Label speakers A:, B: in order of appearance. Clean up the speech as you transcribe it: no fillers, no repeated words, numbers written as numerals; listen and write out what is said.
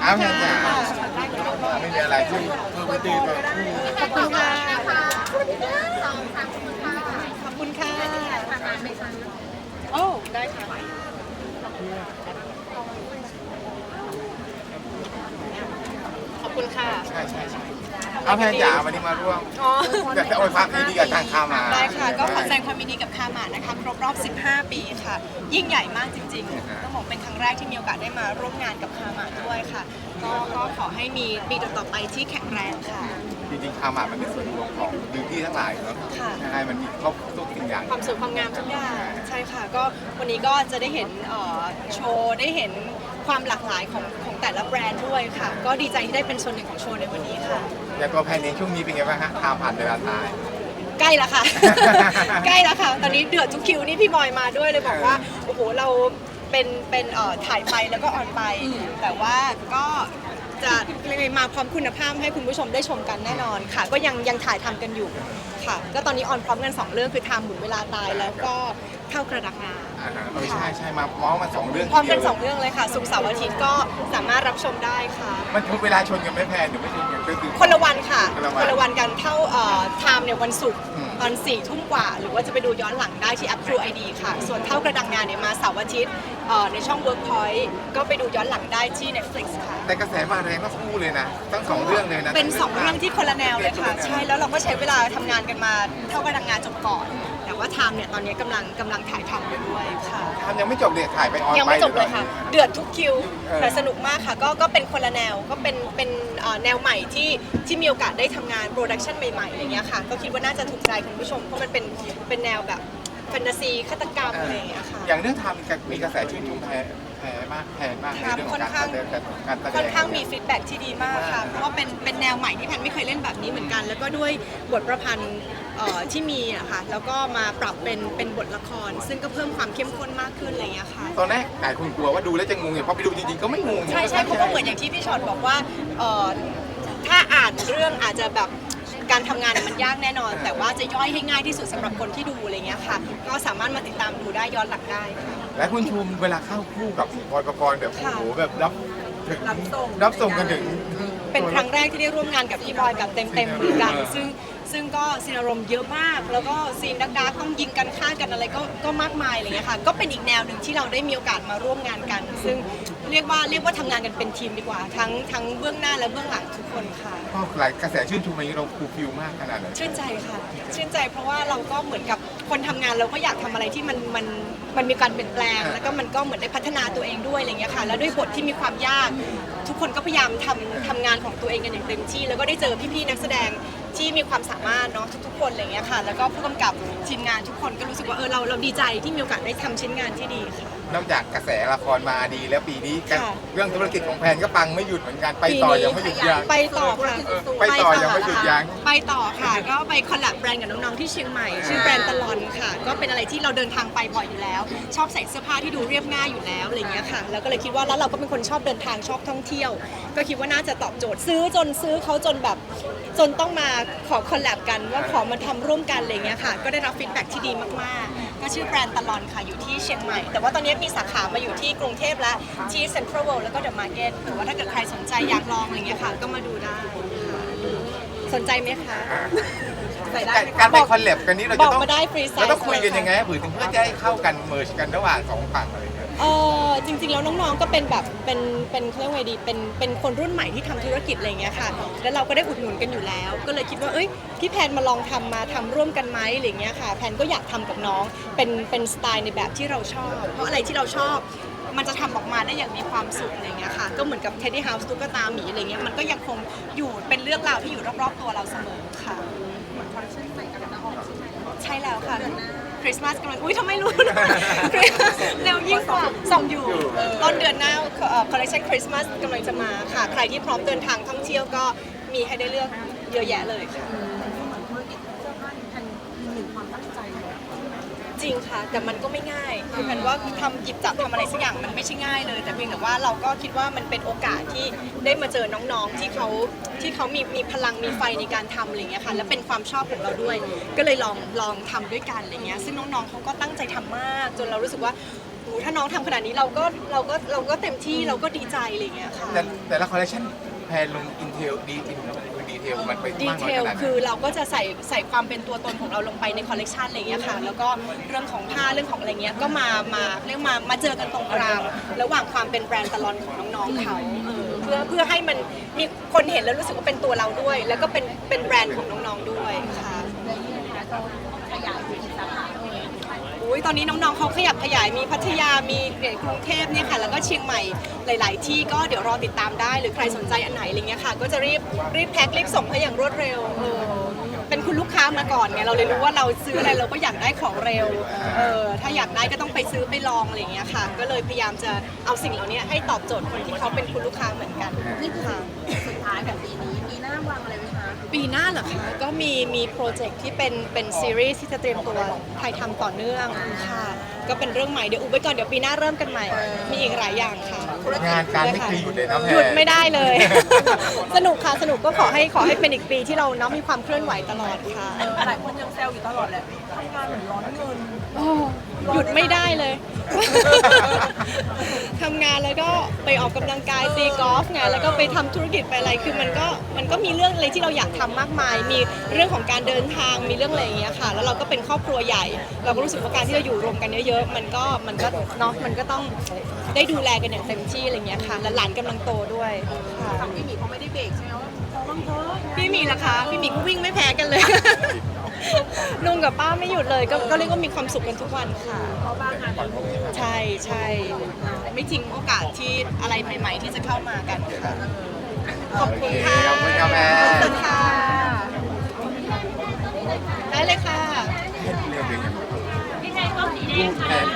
A: อ้าวแม่จ๋าไม่มีอะไรช่วยเพิ่มพื้นที่ก่อน
B: ขอบคุณค่ะขอบคุณค่ะโอ้ได้ค่ะขอบคุณค่ะ
A: ใช่เอาแม่จ๋าวันนี้มาร่วม
B: อ๋อ
A: อยากจะโอยความดีกับทางข้ามา
B: ได้ค่ะ ก็ขอแสดงความยินดีกับคาหมาดนะคะครบรอบ 15 ปีค่ะ ยิ่งใหญ่มากจริงๆต้องบอกเป็นครั้งแรกที่มีโอกาสได้มาร่วมงานกับคาหมาดด้วยค่ะ ก็ขอให้มีปีต่อๆไปที่แข็งแรงค่ะ
A: จริงๆข้ามามันเป็นส่วนรวมของดิวตี้ทั้งหลายเนาะ
B: ค่ะ
A: ใช่มันมีครบทุกสิ่งอย่าง
B: ความสวยความงามทุกอย่างใช่ค่ะก็วันนี้ก็จะได้เห็นโชว์ได้เห็นความหลากหลายของแต่ละแบรนด์ด้วยค่ะ ก็ดีใจที่ได้เป็นส่วนหนึ่งของโชว์ในวันนี้ค่ะ
A: อย่างตัวแพนเองช่วงนี้เป็นไงบ้างฮะข่าวผ่านเวลาตาย
B: ใกล้แล้วค่ะ ใกล้แล้วค่ะ ตอนนี้เดือดทุกคิวนี่พี่บอยมาด้วยเลยบอกว่าโอ้โหเราเป็นถ่ายไปแล้วก็ออนไป แต่ว่าก็จะมาพร้อมคุณภาพให้คุณผู้ชมได้ชมกันแน่นอนค่ะ ก็ยังถ่ายทำกันอยู่ค่ะ ก็ตอนนี้ออนพร้อมกัน2เรื่องคือไทม์หมุนเวลาตายแล้วก็เข้ากระดักงา
A: ใช่มาเมาส์มาสองเรื่อง
B: พร้อมกัน2เรื่องเลยค่ะศุกร์เสาร์อาทิตย์ก็สามารถรับชมได้ค่ะ
A: มันทุกเวลาชนกันไม่แพนหรือไม่ชนกันก็คือ
B: คนละวันค่ะ
A: คนละวัน
B: กันเท่าไทม์เนี่ยวันศุกร์ตอน4 ทุ่มกว่า หรือว่าจะไปดูย้อนหลังได้ที่แอป True ID ค่ะ ส่วนเท่ากระดังงานเนี่ยมาเสาร์อาทิตย์ในช่อง Workpoint ก็ไปดูย้อนหลังได้ที่ Netflix ค่ะ
A: แต่กระแสมาแรงก็คู่เลยนะทั้งสองเรื่องเลยนะ
B: เป็น2เรื่องที่คนละแนวเลยค่ะ ใช่แล้วเราก็ใช้เวลาทำงานกันมาเท่ากระดังงานจบก่อน แต่ว่าไทม์เนี่ยตอนนี้กำลังถ่ายทำอยู่ด้วยค่ะ
A: ทำยังไม่จบเลยถ่ายไปออน
B: ยังไม่จบเลยค่ะ เดือดทุกคิว
A: เออ
B: แต่สนุกมากค่ะ ก็เป็นคนละแนว ก็เป็นแนวใหม่ที่มีโอกาสได้ทำงานโปรดักชันใหม่ๆอะไรเงี้ยค่ะ ก็คิดว่าน่าจะถูกใจคุณผู้ชม เพราะมันเป็นแนวแบบแฟนตาซีฆาตกรรมอะไรอย่างเงี้ยค่ะ
A: อย่างเรื่องทำมีกระแสชื่นชมแพ้มากในเรื่องของการแสดง
B: ค่อนข้างมีฟีดแบ็กที่ดีมากค่ะ เพราะว่าเป็นแนวใหม่ที่แพนไม่เคยเล่นแบบนี้เหมือนกัน แล้วก็ด้วยบทประพันธ์ที่มีอะค่ะ แล้วก็มาปรับเป็นบทละคร ซึ่งก็เพิ่มความเข้มข้นมากขึ้นอะไรอย่างเงี้ยค่ะ
A: ตอนแรกหลายคนกลัวว่าดูแล้วจะงงอย่างพอไปดูจริงๆก็ไม่งง
B: ใช่เพราะว่าเหมือนอย่างที่พี่ชอตบอกว่าถ้าอ่านเรื่องอาจจะแบบการทำงานมันยากแน่นอน แต่ว่าจะย่อยให้ง่ายที่สุดสำหรับคนที่ดูอะไรเงี้ยค่ะ ก็สามารถมาติดตามดูได้ย้อนหลังได้ค่ะ
A: และคุณชูมเวลาเข้าคู่กับบอยประกรณ์แบบโอ้โหแบบรับส่งกันถึง
B: เป็นครั้งแรกที่ได้ร่วมงานกับพี่บอยแบบเต็มๆเหมือนกัน ซึ่งก็ซีนอารมณ์เยอะมาก แล้วก็ซีนดักๆต้องยิงกันฆ่ากันอะไรก็มากมายอะไรเงี้ยค่ะ ก็เป็นอีกแนวหนึ่งที่เราได้มีโอกาสมาร่วมงานกัน ซึ่งเรียกว่าทำงานกันเป็นทีมดีกว่า ทั้งเบื้องหน้าและเบื้องหลังทุกคนค่ะ
A: ก็หลายกระแสชื่นชมอย่างนี้เราฟูลฟิลมากขนาดไหน
B: ชื่นใจค่ะชื่นใจเพราะว่าเราก็เหมือนกับคนทำงานเราก็อยากทำอะไรที่มันมีการเปลี่ยนแปลง แล้วก็มันก็เหมือนได้พัฒนาตัวเองด้วยอะไรเงี้ยค่ะแล้วด้วยบทที่มีความยาก ทุกคนก็พยายามทำงานของตัวเองกันอย่างเต็มที่ แล้วก็ได้เจอพี่ๆนักแสดงที่มีความสามารถเนาะทุกๆคนอะไรเงี้ยค่ะแล้วก็ผู้กำกับทีมงานทุกคนก็รู้สึกว่าเราดีใจที่มีโอกาสได้ทำชิ้นงานที่ดีค่ะ
A: นอกจากกระแสละครมาดีแล้วปีนี้
B: ค่ะ
A: เรื่องธุรกิจของแพนก็ปังไม่หยุดเหมือนกันไปต่อยังไม่หยุดยั้ง
B: ไปต่อค่ะ
A: ไปต่อยังไม่หยุดยั้ง
B: ไปต่อค่ะ ก็ไปคอลแลบแบรนด์กับน้องๆที่เชียงใหม่ ชื่อแบรนด์ตลอนค่ะ ก็เป็นอะไรที่เราเดินทางไปบ่อยอยู่แล้ว ชอบใส่เสื้อผ้าที่ดูเรียบง่ายอยู่แล้วอะไรอย่างเงี้ยค่ะ แล้วก็เลยคิดว่าแล้วเราก็เป็นคนชอบเดินทางชอบท่องเที่ยว ก็คิดว่าน่าจะตอบโจทย์ซื้อเขาจนแบบจนต้องมาขอคอลแลบกันว่าขอมาทำร่วมกันอะไรอย่างเงี้ยค่ะ ก็ได้รับฟีดแบ็กที่ดีมากๆ ก็ชื่อแบรนด์ตลอนค่ะอยู่ที่เชียงใหม่ แต่ว่าตอนนี้มีสาขามาอยู่ที่กรุงเทพและที่เซ็นทรัลเวิลด์แล้วก็เดอะมาร์เก็ตหรือว่าถ้าเกิดใครสนใจอยากลองอะไรเงี้ยค่ะ ก็มาดูได้ค่ะสนใจไหมคะใส่ได้ไหมคะ
A: การไปคอลแลบกันนี้เรา
B: บ
A: จะ
B: อก
A: ต้อง
B: มาได้ฟรีไซ
A: เรา
B: ส์
A: ต้องคุยกันยังไงเพื่อจะให้เข้ากันเมิร์ชกันระหว่างสองฝั่งอะไรอย่างเงี้ย
B: จริงๆแล้วน้องๆก็เป็นแบบเป็นเขาเรียกว่าไงดีเป็นคนรุ่นใหม่ที่ทำธุรกิจอะไรเงี้ยค่ะแล้วเราก็ได้อุดหนุนกันอยู่แล้ว ก็เลยคิดว่าพี่แพนมาลองทำร่วมกันไหมอะไรเงี้ยค่ะแพนก็อยากทำกับน้องเป็นสไตล์ในแบบที่เราชอบ เพราะอะไรที่เราชอบมันจะทำออกมาได้อย่างมีความสุขอะไรเงี้ยค่ะก็เหมือนกับ Teddy House ตุ๊กตาหมีอะไรเงี้ยมันก็ยังคงอยู่เป็นเรื่องราวที่อยู่รอบๆตัวเราเสมอค่ะเหมือนคอลเลคชันใหม่กำลังออกใช่แล้วค่ะคริสต์มาสกำลังทำไมรู้นะ เร็วยิ่งกว่าส่งอยู่ต้นเดือนหน้าคอลเลคชันคริสต์มาสกำลังจะมาค่ะใครที่พร้อมเดินทางท่องเที่ยวก็มีให้ได้เลือกเยอะแยะเลยค่ะจริงค่ะแต่มันก็ไม่ง่ายคือมันว่าหยิบจับทำอะไรสักอย่างมันไม่ใช่ง่ายเลย แต่เพียงแต่ว่าเราก็คิดว่ามันเป็นโอกาสที่ได้มาเจอน้องๆที่เขามีพลังมีไฟในการทำอะไรเงี้ยค่ะและเป็นความชอบของเราด้วย ก็เลยลองทำด้วยกันอะไรเงี้ยซึ่งน้องๆเขาก็ตั้งใจทำมากจนเรารู้สึกว่าถ้าน้องทำขนาดนี้เราก็เต็มที่เราก็ดีใจอะไรอย่างเงี้ยค่ะ
A: แต่ละคอลเลคชันแพนลงอินเทลดีเทลมันไป
B: ดี
A: มาก
B: เท
A: น้อย
B: ล
A: ขนาดไหน
B: คือเราก็จะใส่ความเป็นตัวตนของเราลงไปในคอลเลกชันอะไรอย่างเงี้ยค่ะแล้วก็เรื่องของผ้าเรื่องของอะไรเงี้ยก็มาเจอกันตรงกลางระหว่างความเป็นแบรนด์ตลอนของน้องๆเขาเพื่อให้มันมีคนเห็นแล้วรู้สึกว่าเป็นตัวเราด้วย แล้วก็เป็นแบรนด์ของน้องๆด้วยค่ะอุ้ยตอนนี้น้องๆเขาขยับขยายมีพัทยามีกรุงเทพเนี่ยค่ะแล้วก็เชียงใหม่หลาย ๆ ที่ก็เดี๋ยวรอติดตามได้หรือใครสนใจอันไหนอะไรเงี้ยค่ะก็จะรีบแพ็ครีบส่งให้อย่างรวดเร็วเป็นคุณลูกค้ามาก่อนไงเราเลยรู้ว่าเราซื้ออะไรเราก็อยากได้ของเร็วถ้าอยากได้ก็ต้องไปซื้อไปลองอะไรเงี้ยค่ะก็เลยพยายามจะเอาสิ่งเหล่านี้ให้ตอบโจทย์คนที่เขาเป็นคุณลูกค้าเหมือนกันนี่ค่ะ
C: สุดท้ายแบบปีนี้ปีหน้าวางอะไรไว้คะ
B: ปีหน้าเหรอคะก็มีโปรเจกต์ที่เป็นซีรีส์ที่จะเตรียมตัวถ่ายทำต่อเนื่องค่ะก็เป็นเรื่องใหม่เดี๋ยวอุบไว้ก่อนเดี๋ยวปีหน้าเริ่มกันใหม่มีอีกหลายอย่างค่ะ
A: งานการไม่เคยหยุดเลยนะแพน
B: หยุดไม่ได้เลย สนุกค่ะสนุกก็ขอให้เป็นอีกปีที่เราเนาะมีความเคลื่อนไหวตลอดค่ะ
C: หลายคนยังแซวอยู่ตลอดแหละทำงานเหมือนร้อนเงิน
B: หยุดไม่ได้เลย ทำงานแล้วก็ไปออกกำลังกายตีกอล์ฟไงแล้วก็ไปทำธุรกิจไปอะไรคือมันก็มีเรื่องอะไรที่เราอยากทำมากมาย มีเรื่องของการเดินทางมีเรื่องอะไรอย่างเงี้ยค่ะแล้วเราก็เป็นครอบครัวใหญ่ เราก็รู้สึกว่าการที่เราอยู่รวมกันเยอะๆมันก็เนาะมันก็ต้องได้ดูแลกันอย่างเต็มที่อะไรเงี้ยค่ะและหลานกำลังโตด้วยค่ะ
C: ทำพี่หมีเขาไม่ได้เบรกใช่ไหมว่าพอบ้างเถอะ
B: พี่หมีล่ะคะพี่หมีก็วิ่งไม่แพ้กันเลย ลุงกับป้าไม่หยุดเลยก็เรียกว่ามีความสุขกันทุกวันค่ะ
C: เพราะบ้างงานเยอะ
B: ใช่ไม่ทิ้งโอกาสที่อะไรใหม่ ๆ ที่จะเข้ามากันค่ะขอบคุณค่ะ
A: ขอบคุณครับแม่
B: ขอบคุณค่ะ ได้เลยค่ะ
A: เรื่องเป็นยังไง
C: พี่แทนก็สีแดงค่ะ
A: แพน